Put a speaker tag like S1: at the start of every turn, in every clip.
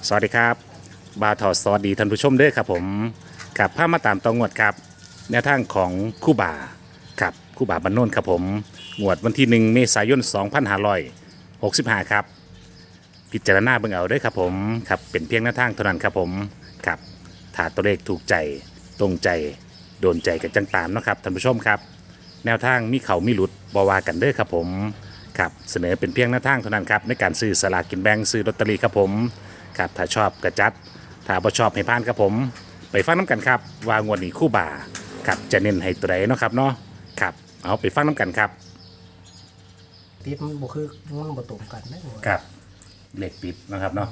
S1: สวัสดีครับบาทอสวัสดีท่านผู้ชมด้วยครับผมกับภาพมาตามตองวดครับแนวทางของคู่บ่าครับคู่บ่าบรรนนท์ครับผมงวดวันที่1เมษายน2565ครับพิจารณาเบิ่งเอาเด้วยครับผมครับเป็นเพียงแนวทางเท่านั้นครับผมครับถ้าตัวเลขถูกใจตรงใจโดนใจกันจังตามเนาะครับท่านผู้ชมครับแนวทางมีเขามีหลุดบวากันเด้อครับผมครับเสนอเป็นเพียงแนวทางเท่านั้นครับในการซื้อสลากกินแบ่งซื้อลอตเตอรี่ครับผมครับถ้าชอบกระจัดถ้าบ่ชอบให้ผ่านครับผมไปฟังน้ำกันครับว่างวดนี้คู่บ่าครับจะเน้นให้ตัวใดเนาะครับเนาะครับเอาไปฟังน้ำกันครับ
S2: ติดมันบ่คือมันบ่ตรงกันนะหมด
S1: ครับเหล็กติดนะครับเนาะ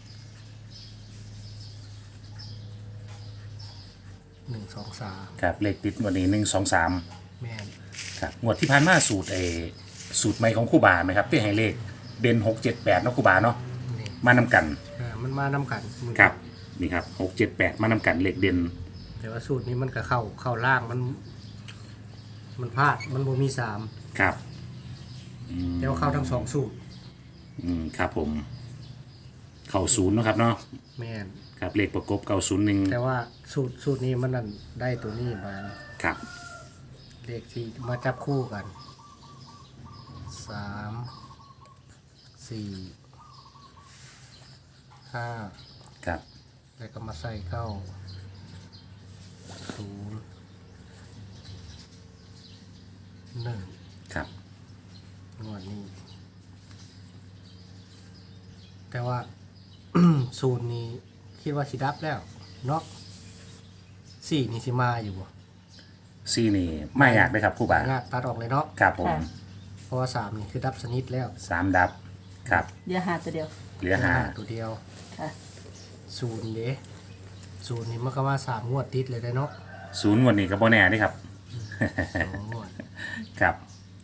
S2: 1 2 3
S1: ครับเหล็กติดงวดนี้1 2 3
S2: แม่น
S1: ครับงวดที่ผ่านมาสูตรใหม่ของครู่บาไหมครับที่ให้เลขเด่น6 7 8เนาะครู่บาเนาะ
S2: นี่
S1: มานำกัน
S2: มันมานำกันมัน
S1: ครับนี่ครับ6 7 8มานำกันเหล็กเด่น
S2: แต่ว่าสูตรนี้มันก็เข้าล่างมันพลาดมันบ่มี3
S1: ครับ
S2: แต่ว่าเข้าทั้งสองสูตร
S1: ครับผมเข้าศูนย์เนาะครับเนาะ
S2: แม่น
S1: ครับเลขประกบเก่า01
S2: แต่ว่าสูตรนี้มันนั่นได้ตัวนี้มา
S1: ครับ
S2: เลขที่มาจับคู่กัน3 4 5
S1: ครับ
S2: แล้วก็มาใส่เข้า0 1
S1: ครับ
S2: งวดนี้ แต่ว่า ศูนย์นี้คิดว่าสิดับแล้วเนาะ4นี่สิมาอยู่บ่
S1: ซี่นี่ไม่อยากเลยครับครู่บาง
S2: าตัดออกเลยเนาะ
S1: ครับผม
S2: เพราะว่า3นี่คือดับสนิทแล้ว
S1: 3ดับครับ
S3: เดี๋ยวหาตัวเดียว
S1: เหลือ
S2: ตัวเดียว
S3: ค่ะ
S2: ศูนย์เด้ศูนย์นี่มันก็ว่า3งวดติดเลยได้เนาะ
S1: 5 0งวดนี้ก็บ่แน่เด้ครับ
S2: 2งวด
S1: ครับ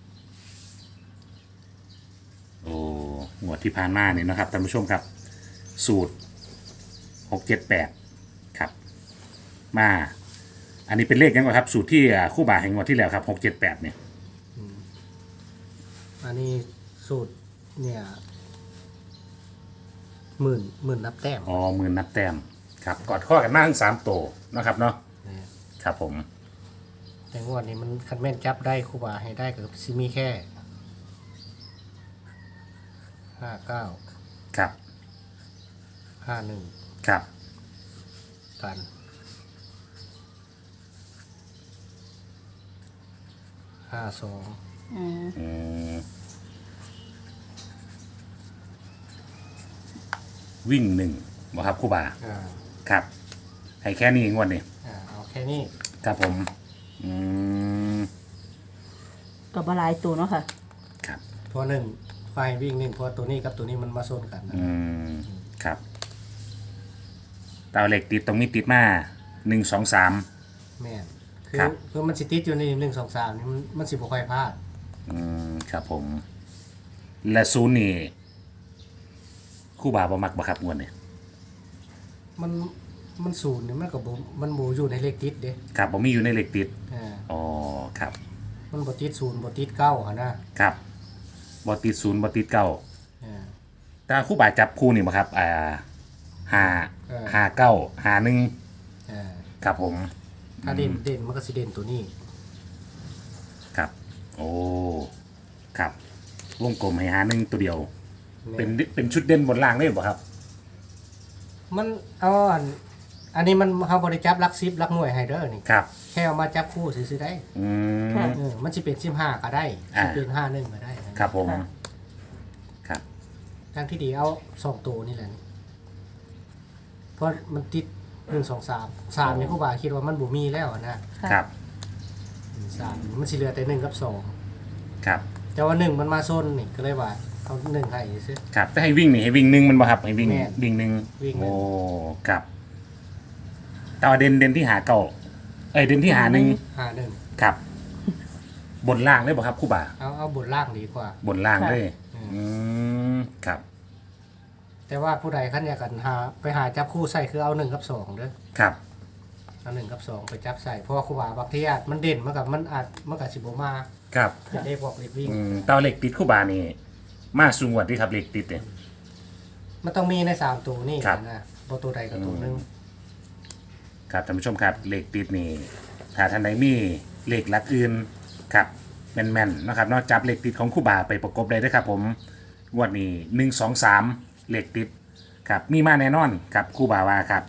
S1: โอ้งวดที่ผ่านมาเนี่ยนะครับท่านผู้ชมครับ สูตร6 7 8ครับมาอันนี้เป็นเลขยังไงครับ สูตรที่คู่บ่าแห่งงวดที่แล้วครับ6 7 8เนี่ย
S2: อันนี้สูตรเนี่ยหมื่นนับแต้ม
S1: อ๋อหมื่นนับแต้มครับกอดข้อกันมากทั้ง3โตวนะครับเนาะ
S2: เนี่ย
S1: ครับผม
S2: แต่งวดนี้มันคันแม่นจับได้ครูบาให้ได้ก็สิมีแค่59
S1: ครับ
S2: 51
S1: ครับ
S2: กัน52
S3: อืม
S1: อืมวิ่ง1บ่ครับคู่บ่า
S2: อ่า
S1: ครับให้แค่นี้งวดนี้
S2: เอาแค่นี้
S1: ครับผมอืม
S3: กับบหลายตัวเนาะค่ะ
S1: ครับ
S2: เพราะหนึ่งไฟวิ่งหนึ่งเพราะตัวนี้กับตัวนี้มันมาโซนกันนะ
S1: ครับเตาเหล็กติดตรงนี้ติดมา1 2 3
S2: แม่น
S1: ครับ
S2: คือมันสิติดอยู่ใน1 2 3นี่มันสิบ่ค่อยพลาด
S1: ครับผม และศูนย์นี่คู่บ่าบ่มักบ่ครับงวดนี่
S2: มันศูนย์นี่มันก็บ่มันบ่อยู่ในเลขติดเด้
S1: ครับผมมีอยู่ในเหล็กติด
S2: อ่า
S1: อ๋อครับ
S2: มันบ่ติดศูนย์บ่ติดเก้าหั่นนะครับ
S1: บ่ติดศูนย์บ่ติดเก้า
S2: อ่า
S1: แต่คู่บ่าจับคู่นี่บ่ครับห้า
S2: เออ
S1: ห้าเก้าห้าหนึ่ง
S2: อ่า
S1: ครับผม
S2: ถ้าเด่นมันก็สิเด่นตัวนี้
S1: ครับ โอ้ครับวงกลมให้หาหนึ่งตัวเดียว เป็นชุดเด่นบนล่างได้บ่ครับ
S2: มันเอาอันนี้มันเฮาบ่ได้จับหลัก10หลักหน่วยให้เด้อนี่
S1: ครับ
S2: แค่เอามาจับคู่ซื่อๆได้
S1: อืม
S3: ค่ะ
S2: มันสิเป็น15ก็ได้
S1: อ่า
S2: สิเป็น51ก็ได้นะ
S1: ครับผม
S3: ค่ะ
S1: ครับ
S2: ทางที่ดีเอา2ตัวนี่แหละนี่เพราะมันติด1 2 3 3นี่ครูบาคิดว่ามันบ่มีแล้วอะนะ
S3: ค่ะ
S1: ครับ
S2: 3มันสิเหลือแต่1กับ2
S1: ครับ
S2: แต่ว่า1มันมาโซนนี่ก็เลยว่าเอา1ให้ซื่อ
S1: ครับถ้าให้วิ่งนี่ให้วิ่งหนึ่งมันบ่ครับให้วิ่ง
S2: แม่น
S1: วิ่งหนึ่ง
S2: วิ่งหนึ่ง
S1: โอ้ครับแต่ว่าเด่นที่หาเก่าเด่นที่หาหนึ่ง
S2: 51
S1: ครับ บนล่างได้บ่ครับครู่บ่า
S2: เอาบนล่างดีกว่า
S1: บนล่าง
S3: ค่ะ
S1: เลย
S2: อืม
S1: อืมครับ
S2: แต่ว่าผู้ใดคันอยากกันไปหาจับคู่ใส่คือเอา1กับ2เด้อ
S1: ครับ
S2: เอา1กับ2ไปจับใส่เพราะว่าครูบาบางทีอาจมันเด่นมันก็สิบ่มา
S1: ครับ
S2: ได้พวกเล็กวิ่ง
S1: เตาเหล็กติดครู่บ่านี่มาสูงกว่าที่ครับเหล็กติดเนี่ย
S2: มันต้องมีใน3ตัวนี่
S1: ครับ
S2: นะบ่ตัวใดก็ตัวหนึง
S1: ครับท่านผู้ชมครับเลขติดนี่ถ้าท่านใดมีเลขหลักอื่นครับแม่นๆนะครับเนอกจับเลขติดของครู่บาไปประกบได้ด้วยครับผมงวดนี้1 2 3เลขติดครับมีมาแน่นอนครับครู่บาว่าครับ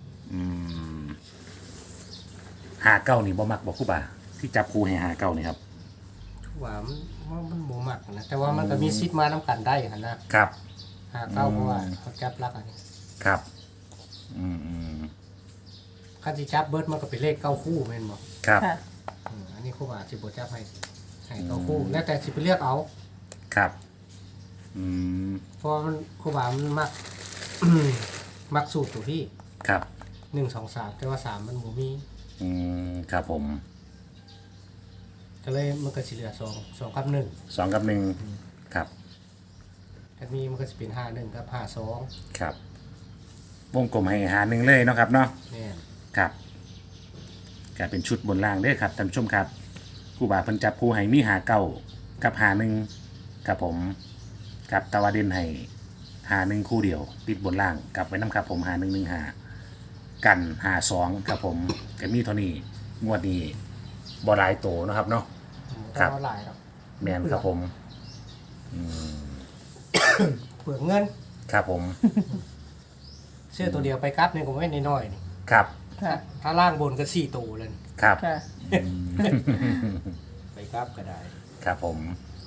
S1: 59นี่บ่มักบ่ครู่บาที่จับคู่ให้59นี่ครับ
S2: ว่ามันบ่มักนะแต่ว่ามันก็มีสิทธิ์มานํกันได้หั่นนะครับ 59เพราะว่าเขาจับลักอันนี้
S1: ครับอืม
S2: คันสิจับเบิดมันก็เป็นเลข9คู่แม่นบ่
S1: ครับ
S3: ค่ะ
S2: อันนี้ครูบาสิบ่จับให้9คู่แล้วแต่สิไปเลือกเอา
S1: ครับอืม
S2: เพราะมันครูบามันมัก มักสูตรตัวพี่
S1: ครับ
S2: 1 2 3แต่ว่า3มันบ่มี
S1: ครับผม
S2: ก็เลยมันก็สิเหลือ2กับ
S1: 2 กับ 1ครับ
S2: 1ถ้ามีมันก็สิเป็น51กับ52
S1: ครับวงกลมให้หาหนึ่งเลยเนาะครับเนาะ
S2: แม่น
S1: ครับกลายเป็นชุดบนล่างเด้อครับท่านผู้ชมครับครู่บาเพิ่นจับคู่ให้มีหาเก้ากับหาหนึ่งครับผมกับตะวันเด่นให้หาหนึ่งคู่เดียว ติดบนล่างกลับไว้น้ำครับผมหา1 1 หากันหา2ครับผมก็มีเท่านี้งวดนี้บ่หลายโตเนาะครับเนาะ
S2: บ่
S1: ครั
S2: ต้อบ งเอาหลายหรอก
S1: แมนครับผม
S2: เปลืองเงิน
S1: ครับผม
S2: ซื้อตัวเดียวไปกลับนี่ก็ไม่น้อยๆนี่
S1: ครับ
S3: ค่ะ
S2: ถ้าล่างบนก็4ตัวเลยนี่
S1: ครับ
S3: ค่ะ
S2: ไปกลับก็ได้
S1: ครับผม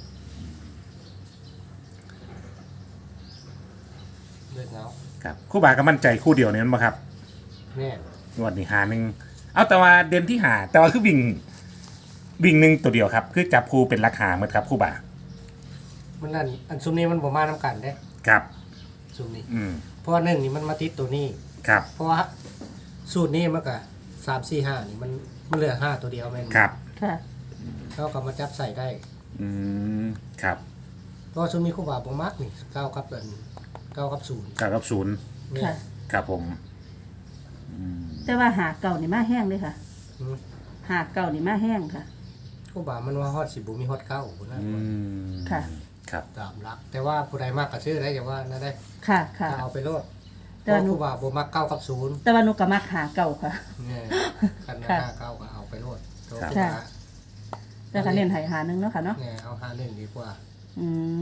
S2: เลือกเอา
S1: ครับครู่บาก็มั่นใจคู่เดียวนี่มั้งครับ
S2: แม่น
S1: งวดนี้หาหนึ่งเอาแต่ว่าเด่นที่หาแต่ว่าคือวิ่งหนึ่งตัวเดียวครับ คือจับคู่เป็นราคาเหมือนครับครู่บา
S2: มันนั่นอันซุมนี้มันบ่มานํกันเด้
S1: ครับ
S2: ซุมนี้
S1: อืม
S2: เพราะว่า1นี่มันมาติดตัวนี้
S1: ครับ
S2: เพราะว่าสูตรนี้มันก็3 4 5นี่มันเหลือ5ตัวเดียวแม่น
S1: ครับ
S3: ค่ะ
S2: เขาก็มาจับใส่ได้
S1: อืมครับ
S2: เพราะว่าซุมนี้ครูบาบ่มักนี่9กับ0 9กับ0
S1: 9 กับ
S2: แม่
S3: ค่ะ
S1: 0ครับผม
S3: แต่ว่าหาเก่านี่มาแห้งเลยค่ะ
S2: อืม
S3: หาเก่านี่มาแห้งค่ะ
S2: ครูบามันว่าฮอดสิบ่มีฮอด9พุ่นนะ
S1: อืม
S3: ค่ะ
S1: ครับ
S2: ตามหลัก แต่ว่าผู้ใดมากก็ซื้อได้อย่าว่านั่นได้
S3: ค่ะ ค่ะ
S2: ก็เอาไปโลดเพ
S3: แต่
S2: ราะ
S3: ว่าหนู
S2: ครูบาบ่มัก9กับ0
S3: แต่ว่าหนูก็มักหาเก่าค่ะ
S2: เนี่ยคัน
S3: ค่ะ
S2: 59ก็เอาไปโลดเพราะ
S1: ครับ
S2: ครูบา
S3: แต่ก็เน้นให้หาหนึงเนาะค่ะเนาะ
S2: เนี่ยเอา51ดีกว่า
S3: อืม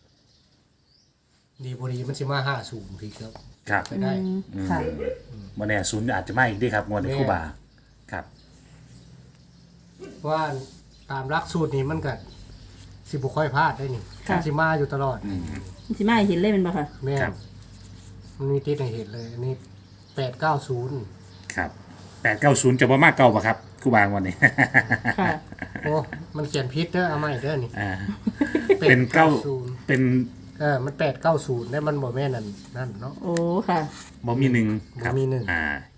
S2: ดีบ่ดีมันสิมา50พี่ครับ
S1: ครับ
S2: ไปได้
S3: ค่ะ
S1: วันนี้ศูนย์อาจจะไม่อีกด้วยครับงวดนี้ครู่บาครับ
S2: เพราะว่าตามหลักสูตรนี้มันก็สิบ่ค่อยพลาดได้นี่
S3: ค่ะ
S2: มันสิมาอยู่ตลอด
S3: มันสิมาให้เห็นเลยเป็นบ่ค่ะ
S2: แม่
S1: ครั
S2: น
S1: บ
S2: มันมีติดให้เห็นเลยอันนี้890
S1: ครับ890จะบ่มากเก่าปะครับครู่บางวันนี้
S3: ค่ะ
S2: โอ้มันเขียนผิดเด้อเอาใหม่เด้อนี่
S1: อ่าเป็นเก้า
S2: 890
S1: เป็น
S2: มัน890ได้มันบ่แม่นนั่นเนาะ
S3: โอ้ ค่ะ
S1: บ่มีหนึ่งครับ
S2: บ่มีหนึ่ง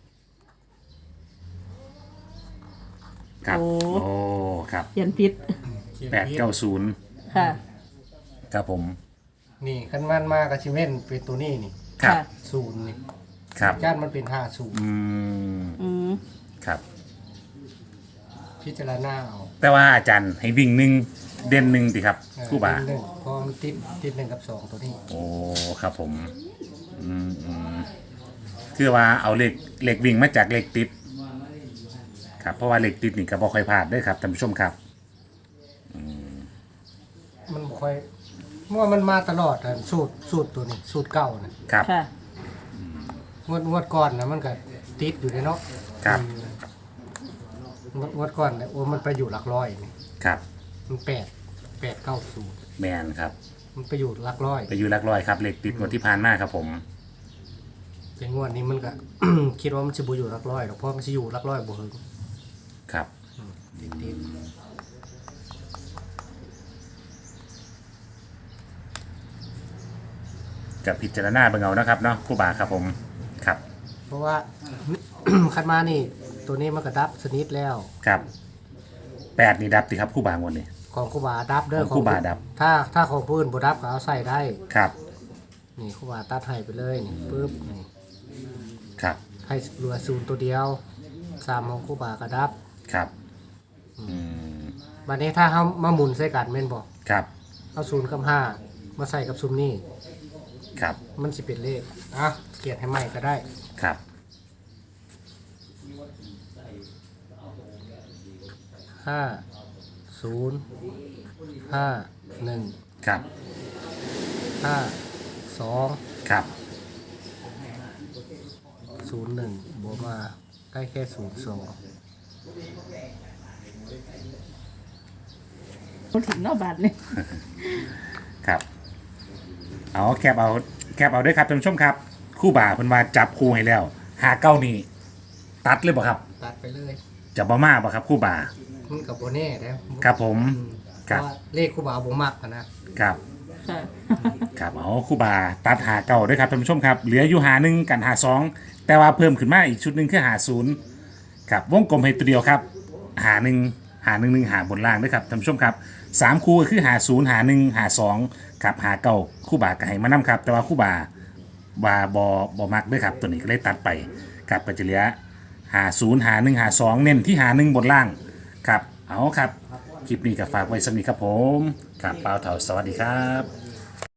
S1: ครับ
S3: โอ้
S1: โอ้ครับ
S3: เขียนผิด
S2: เขียน
S1: แปด
S2: ผิด
S1: เก้าศูนย์
S3: ค่ะ
S1: ครับผม
S2: นี่คันมันมาก็สิเว้นเป็นตัวนี้นี่
S1: ครับ
S3: ค่ะ
S2: 0นี่
S1: ครับ
S2: จานมันเป็น50
S1: อืม
S3: อืม
S1: ครับ
S2: พิจารณาเอา
S1: แต่ว่าอาจารย์ให้วิ่งหนึ่งเด่นหนึ่งติครับครู่บา
S2: หนึ่งเพอมันติด1กับ2ตัวนี้
S1: โอ้ครับผมคือว่าเอาเหล็กวิ่งมาจากเหล็กติดครับเพราะว่าเหล็กติดนี่ก็บ่ค่อยพลาดเด้อครับท่านผู้ชมครับ
S2: มันบ่ค่อยเมื่อมันมาตลอดอะสูตรตัวนี้สูตรเก่าน่ะ
S1: ครับ
S3: ค่ะ
S2: งวดก่อนนะมันก็ติดอยู่ในเนาะ
S1: ครับ
S2: งวดก่อนเนี่ยโอ้มันไปอยู่หลักร้อยนี่
S1: ครับ
S2: มัน890
S1: แมนครับ
S2: มันไปอยู่หลักร้อย
S1: ไปอยู่หลักร้อยครับเหล็กติดงวดที่ผ่านมาครับผม
S2: แต่งวดนี้มันก็ คิดว่ามันสิบ่อยู่หลักร้อยหรอกเพราะมันสิอยู่หลักร้อยบ่ถึง
S1: ครับ
S2: ติด
S1: กับพิจารณาเบิ่งเอานะครับเนาะครู่บาครับผมครับ
S2: ๆเพราะว่า คันมานี่ ตัวนี้มันก็ดับสนิทแล้ว
S1: ครับ8นี่ดับติครับครู่บางวันนี้
S2: ของครูบาดับเด้อ
S1: ของครูบาดับ
S2: ถ้าของผู้อื่นบ่ดับก็เอาใส่ได้
S1: ครับ
S2: นี่ครูบาตัดให้ไปเลยนี่ปึ๊บนี่
S1: ครับ
S2: ให้เหลือ0ตัวเดียว3ของครูบาก็ดับ
S1: ครับม
S2: บัดนี้ถ้าเฮามาหมุนใส่กันแม่นบ่
S1: ครับ
S2: เอา0กับ5มาใส่กับซุมนี่
S1: ครับ
S2: มันสิเป็นเลขอ่ะเขียนให้ใหม่ก็ได้
S1: ครับ
S2: 5051
S1: ครับ
S2: 52
S1: ครับ
S2: 01บ่มาได้แค่02
S3: บ่ถึงเนาะบาทนี่
S1: ครับเอาแคบเอาด้วยครับท่านผู้ชมครับคู่บ่าเพิ่นว่าจับคู่ให้แล้วหาเก้านี่ตัดเลยบ่ครับ
S2: ตัดไปเลย
S1: จะบ่มาบ่ครับคู่บ่า
S2: มันกับโบแน่แล้ว
S1: ครับผม
S2: เพ
S1: ครับ
S2: ราะว่าเลขครูบาบ่มักอะนะครับ
S3: ค่ะ
S1: ครับเอาคู่บ่าตัดหาเก้าด้วยครับท่านผู้ชมครับเหลืออยู่หาหนึ่งกันหาสองแต่ว่าเพิ่มขึ้นมาอีกชุดหนึ่งคือหาศูนย์ครับวงกลมให้ตัวเดียวครับหาหนึ่งหาบนล่างด้วยครับท่านผู้ชมครับสามคู่ก็คือหาศูนย์หาหนึ่งหาสองครับหาเก้าคู่บ่าก็ให้มานํครับแต่ว่าคู่บ่าบ่มักด้วยครับตัวนี้ก็เลยตัดไปครับก็จะเหลือหาศูนย์หาหนึ่งหาสองเน้นที่หาหนึ่งบนล่างครับเอาครับคลิปนี้ก็ฝากไว้สำหรับนี้ครับผมครับเปล่าเถาสวัสดีครับ